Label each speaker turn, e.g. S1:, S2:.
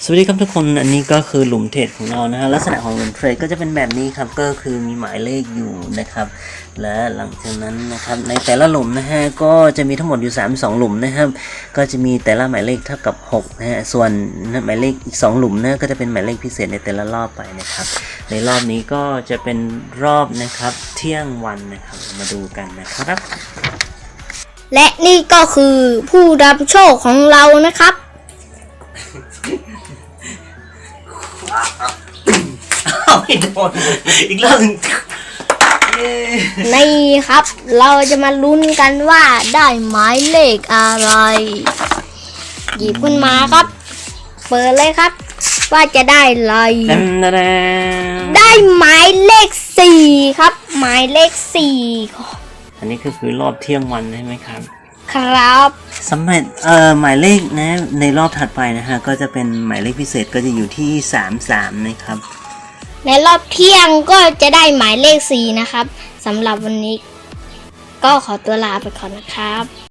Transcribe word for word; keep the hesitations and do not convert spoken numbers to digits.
S1: สวัสดีครับทุกคนอันนี้ก็คือหลุมเทรดของเรานะฮะลักษณะของหลุมเทรดก็จะเป็นแบบนี้ครับก็คือมีหมายเลขอยู่นะครับและหลังจากนั้นนะครับในแต่ละหลุมนะฮะก็จะมีทั้งหมดอยู่สามสิบสองหลุมนะครับก็จะมีแต่ละหมายเลขเท่ากับหกนะฮะส่วนหมายเลขอีกสองหลุมนะก็จะเป็นหมายเลขพิเศษในแต่ละรอบไปนะครับในรอบนี้ก็จะเป็นรอบนะครับเที่ยงวันนะครับมาดูกันนะครับ
S2: และนี่ก็คือผู้รับโชคของเรานะครับ
S1: เอาไม่โดนอีกรอบหนึ่ง
S2: นี่ครับเราจะมาลุ้นกันว่าได้หมายเลขอะไรหยิบขึ้นมาครับเปิดเลยครับว่าจะได้อะไรได้หมายเลขสี่ครับหมายเลขสี่
S1: อันนี้ก็คือรอบเที่ยงวันใช่ไหมครับ
S2: ครับ
S1: สำหรับเอ่อหมายเลขนะในรอบถัดไปนะฮะก็จะเป็นหมายเลขพิเศษก็จะอยู่ที่สามสิบสามนะครับ
S2: ในรอบเที่ยงก็จะได้หมายเลขสี่นะครับสำหรับวันนี้ก็ขอตัวลาไปก่อนนะครับ